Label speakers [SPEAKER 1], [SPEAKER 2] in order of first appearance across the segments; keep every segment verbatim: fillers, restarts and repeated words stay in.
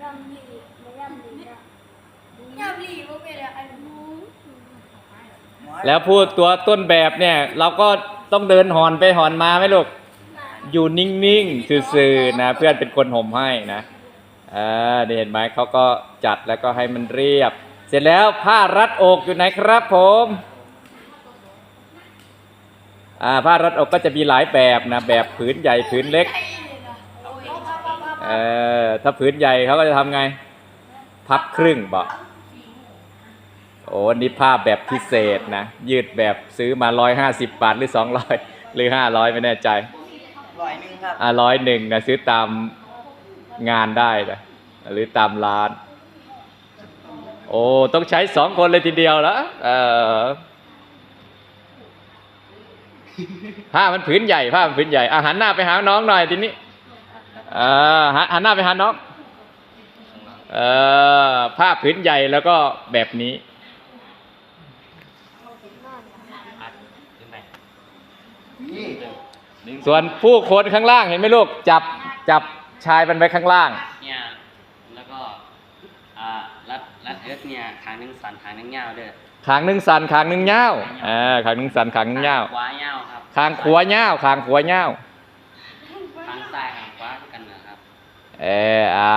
[SPEAKER 1] ำหลีไม่ยำหลีนะยำหลีว่าเป็นอะไร
[SPEAKER 2] แล้วพูดตัวต้นแบบเนี่ยเราก็ต้องเดินหอนไปหอนมาไหมลูกอยู่นิ่งๆซื่อๆนะเพื่อนเป็นคนห่มให้นะอ่าเห็นไหมเขาก็จัดแล้วก็ให้มันเรียบเสร็จแล้วผ้ารัดอกอยู่ไหนครับผมอ่าผ้ารัดอกก็จะมีหลายแบบนะแบบผืนใหญ่ผืนเล็กเออถ้าผืนใหญ่เขาก็จะทำไงพับครึ่งบอกโอ้นี่ผ้าแบบพิเศษนะยืดแบบซื้อมาร้อยห้าสิบบาทหรือสองร้อยหรือห้าร้อยไม่แน่ใจ
[SPEAKER 3] ร้อยหนึ่งครับ
[SPEAKER 2] อ่าร้อยหนึ่งนะซื้อตามงานได้นะหรือตามร้านโอ้ต้องใช้สองคนเลยทีเดียวแล้วเออผ้ามันผืนใหญ่ผ้ามันผืนใหญ่อ่ะหันหน้าไปหาน้องหน่อยทีนี้อ่าหันหน้าไปหาน้องเออผ้าผืนใหญ่แล้วก็แบบนี้ส่วนผู้คนข้างล่างเห็นไหมลูกจับจับชายมันไว้ข้างล่าง
[SPEAKER 4] เนี่ยแล้วก็อ่ารัดรัดเอิร์ธเนี่ยขางหนึ่งสันขางหนึ่งยาวเด้อ
[SPEAKER 2] ขางหนึ่งสันขางหนึ่งยาวอ่าขางหนึ่งสันขางหนึ่งยาว
[SPEAKER 4] ขวายาวครับ
[SPEAKER 2] ขางขวายาวขางขวายาว
[SPEAKER 4] ขางซ้ายขางขวากันนะครับ
[SPEAKER 2] เอออ่า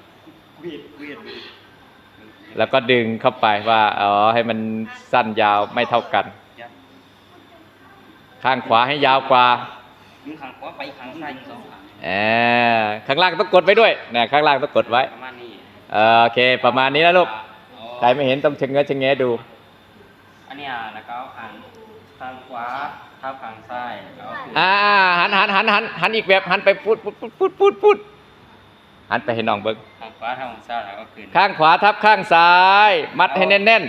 [SPEAKER 2] แล้วก็ดึงเข้าไปว่าอ๋อให้มันสั้นยาวไม่เท่ากันข้างขวาให้ยาวกว่า
[SPEAKER 4] ดึงขางขวาไปขางซ้ายสองขาง
[SPEAKER 2] เออข้างล่างต้องกดไว้ด้วยนะข้างล่างต้องกดไว้
[SPEAKER 4] ประมาณนี้
[SPEAKER 2] โอเคประมาณนี้นะลูกใครไม่เห็นต้องเชงเง้อเชงแงะดู
[SPEAKER 4] อันนี้แล้วก็ขางขางขวาทับขางซ้าย
[SPEAKER 2] อ่าหันหันหันหันหันอีกแบบหันไปพูดพูดพูดพูดพูดหันไปให้น้องเบิ้ง
[SPEAKER 4] ข้างขวาทับขางซ้ายแล้วก็ขึ้น
[SPEAKER 2] ข้างขวาทับข้างซ้ายมัดให้แน่น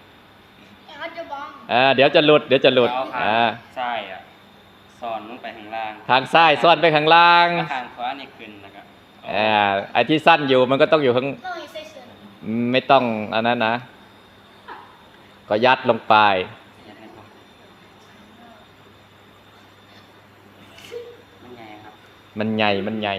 [SPEAKER 2] ๆอ่าเดี๋ยวจะหลุดเดี๋ยวจะหลุดอ่า
[SPEAKER 4] ซ้ายอ่ะซ่อนลงไปข้างล่าง
[SPEAKER 2] ทางซ้ายซ่อนไปข้างล่าง
[SPEAKER 4] ข้างขวานี่ขึ้นนะครับ
[SPEAKER 2] อ่าไอ้ที่สั้นอยู่มันก็ต้องอยู่ข้างไม่ต้องอันนั้นนะก็ยัดลงไป
[SPEAKER 4] มันใหญ่ครับ
[SPEAKER 2] มันใหญ่มันใหญ่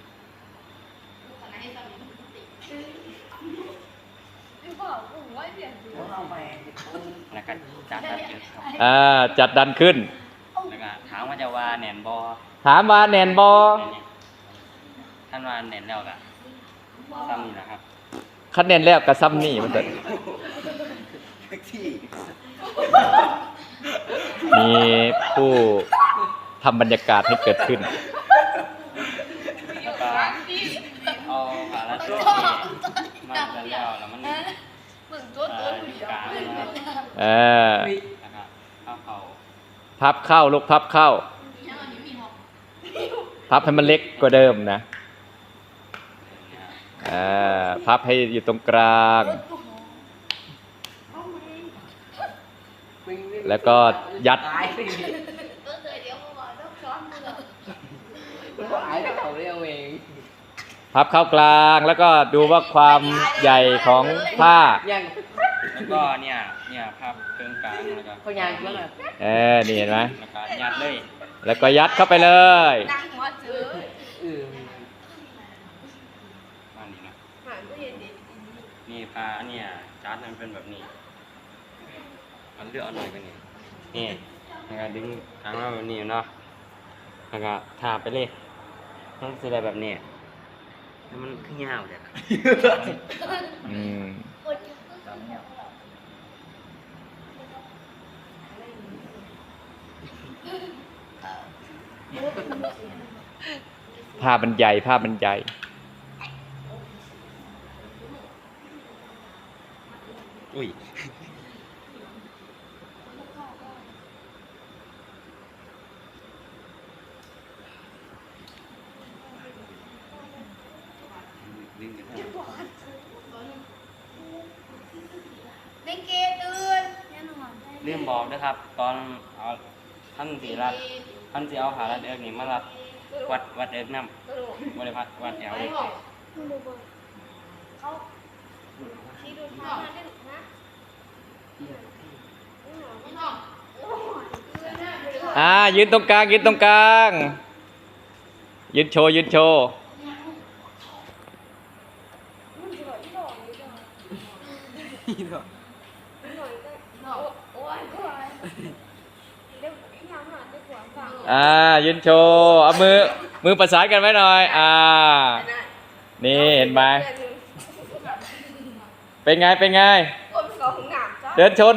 [SPEAKER 4] แล้วก็จัดดันขึ้นครับ
[SPEAKER 2] อ่าจัดดันขึ้น
[SPEAKER 4] แล้วก็ถามว่าจะว่าแหนนบอ
[SPEAKER 2] ถามว่าแหนนบอ
[SPEAKER 4] ท่านว่าแหนนแล้วกะซ้ำนี่แหละครับ
[SPEAKER 2] คะแนนแล้วกับซ้ำนี่มันจะมีผู้ทำบรรยากาศให้เกิดขึ้น
[SPEAKER 4] แล้วก็เอาขาละตัวมาแล้วแล้วมัน
[SPEAKER 1] เหมือนตัวตัวหนู
[SPEAKER 4] กลาง
[SPEAKER 2] เออ
[SPEAKER 4] แล้วก็เอาเข่า
[SPEAKER 2] พับเข้าลูกพับเข้าพับให้มันเล็กกว่าเดิมนะอ่าพับให้อยู่ตรงกลางแล้วก็ยัดพับเข้ากลางแล้วก็ดูว่าความใหญ่ของผ้า
[SPEAKER 4] แล้วก็เนี่ยเนี่ยพับเครื่องกลางแล้วก็
[SPEAKER 3] เขายัดแล้วแบบ
[SPEAKER 2] เออนี่เห็นไหม
[SPEAKER 4] แล้วก็ยัดเลย
[SPEAKER 2] แล้วก็ยัดเข้าไปเลย
[SPEAKER 4] มานี่นะนี่ผ้าเนี่ยจัดมันเป็นแบบนี้มันเลือกเอาหน่อยกันนี่นี่แล้วก็ดึงทางมาแบบนี้เนาะแล้วก็ทาไปเลยต้องใส่แบบนี้แล้วมันขึ้นยาวเลย
[SPEAKER 2] อืมภาพมันใหญ่ภาพมันใหญ่
[SPEAKER 4] อุ้ยเรื่องบอกนะครับตอนเอาท่านสีรัดท่านสีเอาขารัดเอิกนี่มารัดวัดวัดเอิกน้ำบริพัตรวัดแอวเลย
[SPEAKER 2] อ่ายืนตรงกลางยืนตรงกลางยืนโชว์ยืนโชว์
[SPEAKER 1] หน่อยก็โอ้ยโอ้ยเดี๋ยวยังหาจะขวางฟัง
[SPEAKER 2] อ่ายืนโชว์เอามือมือประสานกันไว้หน่อยอ่านี่เห็นไหมเป็นไงเป็นไง
[SPEAKER 1] คนของหนามจ้า
[SPEAKER 2] เดินชน